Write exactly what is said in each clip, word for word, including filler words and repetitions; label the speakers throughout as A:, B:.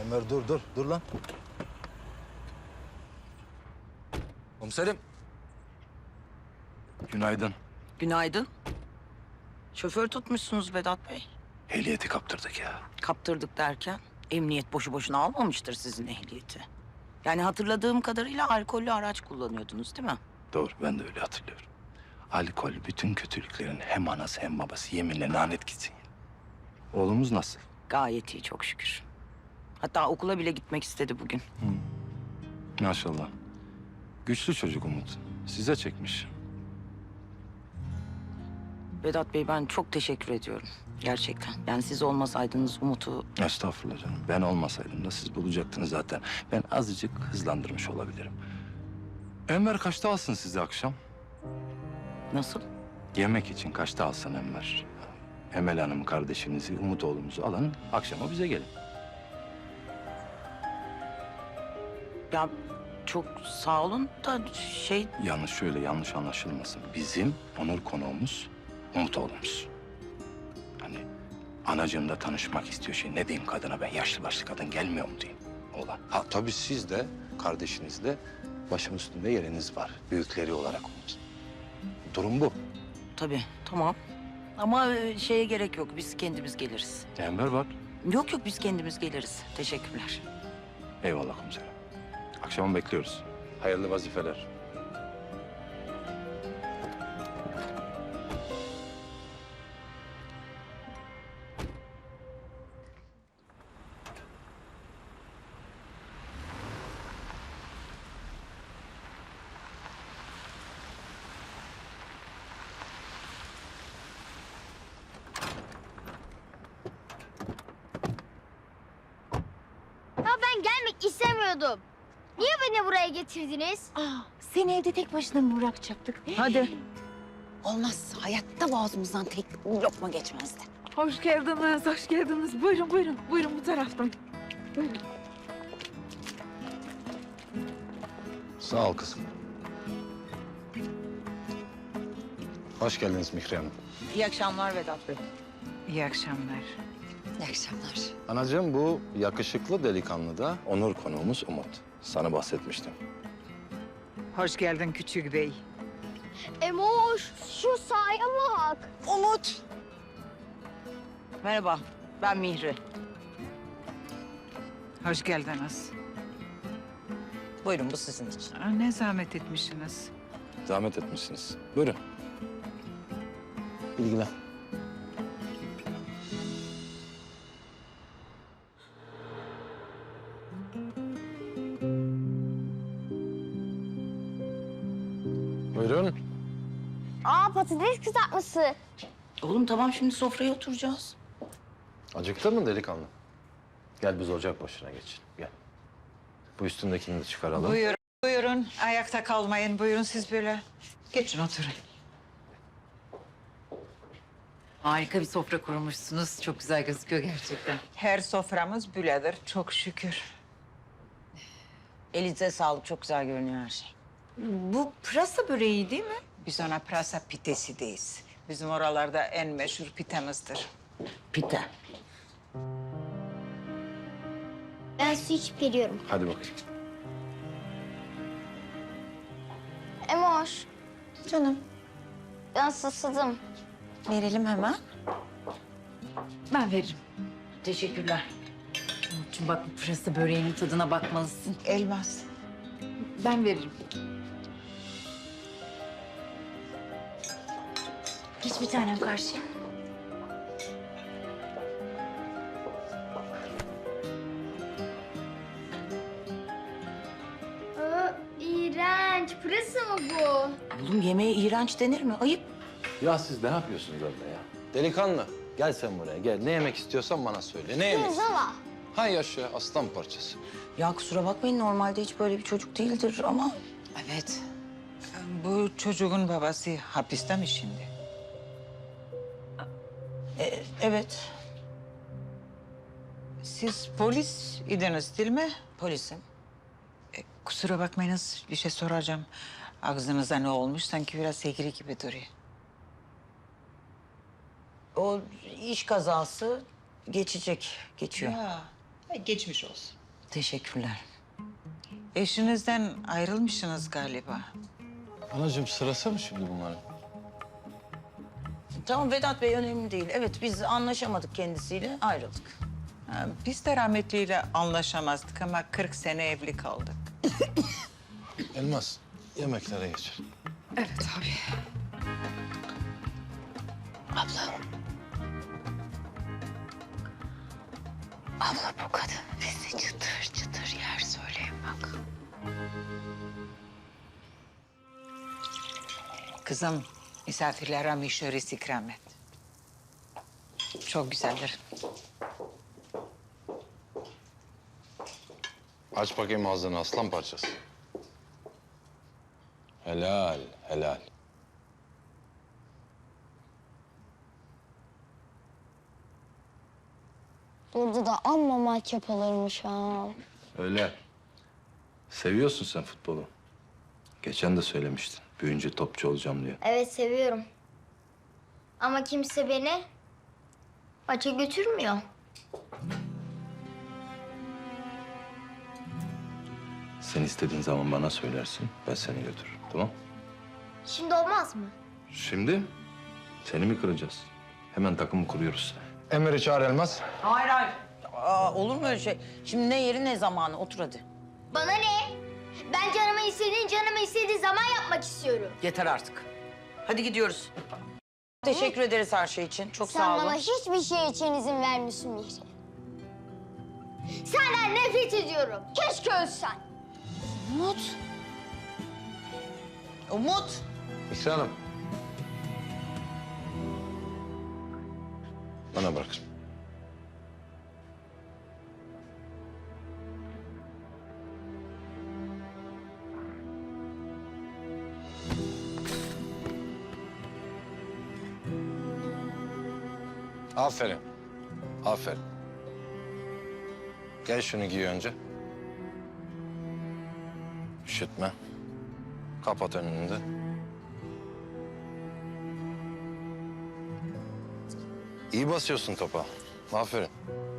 A: Ömer dur dur dur lan. Komiserim. Günaydın.
B: Günaydın. Şoför tutmuşsunuz Vedat Bey.
A: Ehliyeti kaptırdık ya.
B: Kaptırdık derken emniyet boşu boşuna almamıştır sizin ehliyeti. Yani hatırladığım kadarıyla alkollü araç kullanıyordunuz değil mi?
A: Doğru, ben de öyle hatırlıyorum. Alkol bütün kötülüklerin hem anası hem babası, yeminle lanet gitsin ya. Oğlumuz nasıl?
B: Gayet iyi çok şükür. Hatta okula bile gitmek istedi bugün.
A: Maşallah. Güçlü çocuk Umut. Size çekmiş.
B: Vedat Bey ben çok teşekkür ediyorum. Gerçekten. Yani siz olmasaydınız Umut'u...
A: Estağfurullah canım. Ben olmasaydım da siz bulacaktınız zaten. Ben azıcık hızlandırmış olabilirim. Enver kaçta alsın sizi akşam?
B: Nasıl?
A: Yemek için kaçta alsın Enver? Emel Hanım kardeşinizi, Umut oğlumuzu alın. Akşama bize gelin.
B: Ya çok sağ olun da şey...
A: Yanlış şöyle yanlış anlaşılmasın. Bizim onur konuğumuz Umut oğlumuz. Hani anacığımla tanışmak istiyor şey. Ne diyeyim kadına ben yaşlı başlı kadın gelmiyor mu diyeyim oğlan. Ha tabii siz de kardeşiniz de başım üstünde yeriniz var. Büyükleri olarak Umut. Durum bu.
B: Tabii tamam. Ama e, şeye gerek yok. Biz kendimiz geliriz.
A: Enver var.
B: Yok yok biz kendimiz geliriz. Teşekkürler.
A: Eyvallah komiserim. Akşama bekliyoruz. Hayırlı vazifeler.
C: Ya ben gelmek istemiyordum. Niye beni buraya getirdiniz?
D: Aa, seni evde tek başına mı bırakacaktık?
B: Hadi.
D: Olmaz. Hayatta boğazımızdan tek lokma geçmezdi.
E: Hoş geldiniz, hoş geldiniz. Buyurun, buyurun. Buyurun bu taraftan. Buyurun.
F: Sağ ol kızım. Hoş geldiniz Mihri Hanım.
B: İyi akşamlar Vedat Bey.
E: İyi akşamlar.
D: İyi akşamlar.
F: Anacığım bu yakışıklı delikanlı da onur konuğumuz Umut. Sana bahsetmiştim.
E: Hoş geldin küçük bey.
C: Emoş, şu sahaya bak.
B: Umut. Merhaba. Ben Mihri.
E: Hoş geldiniz.
B: Buyurun bu sizin için.
E: Aa, ne zahmet etmişsiniz.
A: Zahmet etmişsiniz. Buyurun.
F: Bilgiler. Buyurun.
C: Aa, patates kızartması.
B: Oğlum tamam şimdi sofraya oturacağız.
F: Acıktın mı delikanlı? Gel biz ocak başına geçelim. Gel. Bu üstündekini de çıkaralım.
E: Buyurun, buyurun. Ayakta kalmayın. Buyurun siz böyle. Geçin oturun.
G: Harika bir sofra kurmuşsunuz. Çok güzel gözüküyor gerçekten.
E: Her soframız büledir. Çok şükür.
B: Elinize sağlık. Çok güzel görünüyor her şey.
G: Bu pırasa böreği değil mi?
E: Biz ona pırasa pitesi deyiz. Bizim oralarda en meşhur pitemizdir.
B: Pite.
C: Ben su içip geliyorum.
F: Hadi bakayım.
C: Emoş,
D: Canım,
C: ben susadım.
D: verelim hemen.
G: Ben veririm.
B: Teşekkürler.
G: Umut'cum bak bu pırasa böreğinin tadına bakmalısın.
E: Elmas.
G: Ben veririm.
D: Geç bir tanem karşıya.
C: Aa, iğrenç. Pırasa mı bu?
B: Oğlum yemeğe iğrenç denir mi? Ayıp.
F: Ya siz ne yapıyorsunuz orada ya? Delikanlı gel sen buraya gel. Ne yemek istiyorsan bana söyle. Ne yemek istiyorsun?
C: Pirzola.
F: Hay yaşa aslan parçası.
B: Ya kusura bakmayın normalde hiç böyle bir çocuk değildir ama...
E: Evet. Bu çocuğun babası hapiste mi şimdi?
B: E, evet
E: Siz polis idiniz değil mi?
B: polisim.
E: E, kusura bakmayınız bir şey soracağım. Ağzınıza ne olmuş? Sanki biraz egri gibi duruyor.
B: O iş kazası geçecek, geçiyor.
E: Ya Ay, geçmiş olsun.
B: Teşekkürler.
E: Eşinizden ayrılmışsınız galiba.
F: Anacığım sırası mı şimdi bunların?
B: Tamam Vedat Bey, önemli değil. Evet, biz anlaşamadık kendisiyle, ayrıldık.
E: Ha, biz de rahmetliyle anlaşamazdık ama kırk sene evli kaldık.
F: Elmas, yemeklere geç.
G: Evet abi.
D: Abla bu kadın bizi çıtır çıtır yer söyleyin bak.
E: Kızım, misafirlere mişörisi ikram et. Çok güzeldir.
F: Aç bakayım ağzını aslan parçası. Helal, helal.
C: Burada da amma maç yapılırmış ha.
A: Öyle. Seviyorsun sen futbolu. Geçen de söylemiştin. Büyüyünce topçu olacağım diye.
C: Evet seviyorum. Ama kimse beni maça götürmüyor.
A: Sen istediğin zaman bana söylersin. Ben seni götürürüm. Tamam?
C: Şimdi olmaz mı?
A: Şimdi seni mi kıracağız? Hemen takımı kuruyoruz.
F: Emir'i çağır Elmas.
B: Hayır, hayır. Aa, olur mu öyle şey? Şimdi ne yeri ne zamanı? Otur hadi.
C: Bana ne? Ben canımı istediğin canımı istediği zaman yapmak istiyorum.
B: Yeter artık. Hadi gidiyoruz. Teşekkür ederiz her şey için. Çok
C: Sen
B: sağ olun.
C: bana hiçbir şey için izin vermiyorsun Mihri. Senden nefret ediyorum. Keşke ölsen.
B: Umut. Umut.
F: İkra Hanım. Bana bırak. Aferin. Aferin. Gel şunu giy önce. Üşütme. Kapat önünü de. İyi basıyorsun topa. Aferin.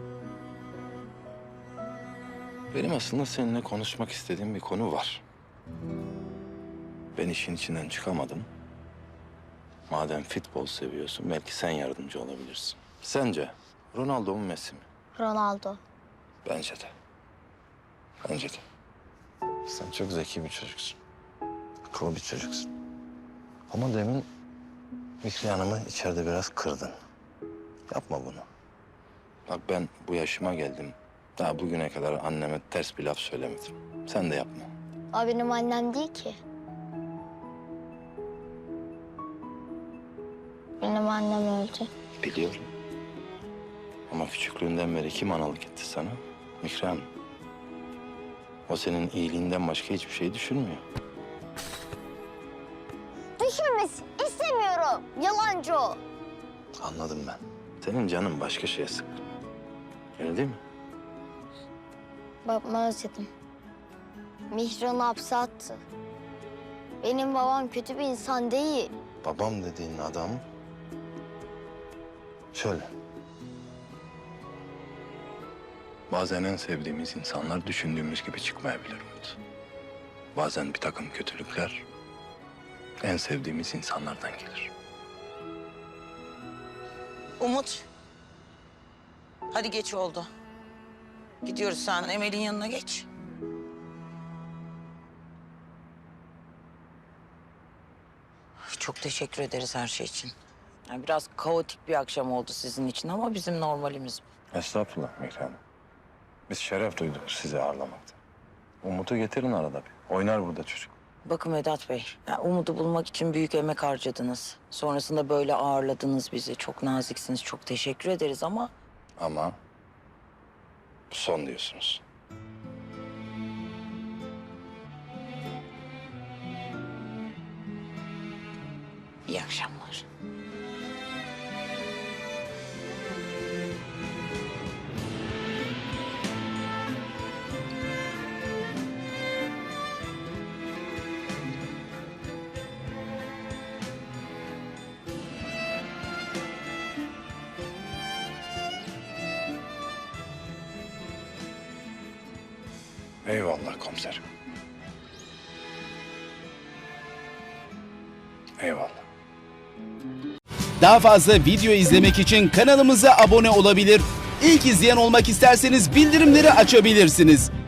A: Benim aslında seninle konuşmak istediğim bir konu var. Ben işin içinden çıkamadım. Madem futbol seviyorsun, belki sen yardımcı olabilirsin. Sence Ronaldo mu Messi mi?
C: Ronaldo.
A: Bence de. Bence de.
F: Sen çok zeki bir çocuksun. Akıllı bir çocuksun. Ama demin Mikri Hanım'ı içeride biraz kırdın. Yapma bunu.
A: Bak ben bu yaşıma geldim. Daha bugüne kadar anneme ters bir laf söylemedim. Sen de yapma.
C: O benim annem değil ki. Benim annem öldü.
A: Biliyorum. Ama küçüklüğünden beri kim analık etti sana? Mikri Hanım. O senin iyiliğinden başka hiçbir şey düşünmüyor.
C: Düşünmesin. İstemiyorum. Yalancı o.
A: Anladım ben. Senin canın başka şeye sık. Öyle değil mi?
C: Babamı özledim. Mihran'ı hapse attı. Benim babam kötü bir insan değil.
A: Babam dediğin adam... Şöyle. Bazen en sevdiğimiz insanlar düşündüğümüz gibi çıkmayabilir Umut. Bazen bir takım kötülükler en sevdiğimiz insanlardan gelir.
B: Umut. Hadi geç oldu. Gidiyoruz, sen Emel'in yanına geç. Çok teşekkür ederiz her şey için. Yani biraz kaotik bir akşam oldu sizin için ama bizim normalimiz bu.
A: Estağfurullah Mikri Hanım. Biz şeref duyduk sizi ağırlamakta. Umut'u getirin arada bir. Oynar burada çocuk.
B: Bakın Vedat Bey, ya Umut'u bulmak için büyük emek harcadınız. Sonrasında böyle ağırladınız bizi. Çok naziksiniz, çok teşekkür ederiz ama...
A: Ama bu son diyorsunuz.
B: İyi akşamlar.
A: Eyvallah komiserim. Eyvallah.
H: Daha fazla video izlemek için kanalımıza abone olabilir. İlk izleyen olmak isterseniz bildirimleri açabilirsiniz.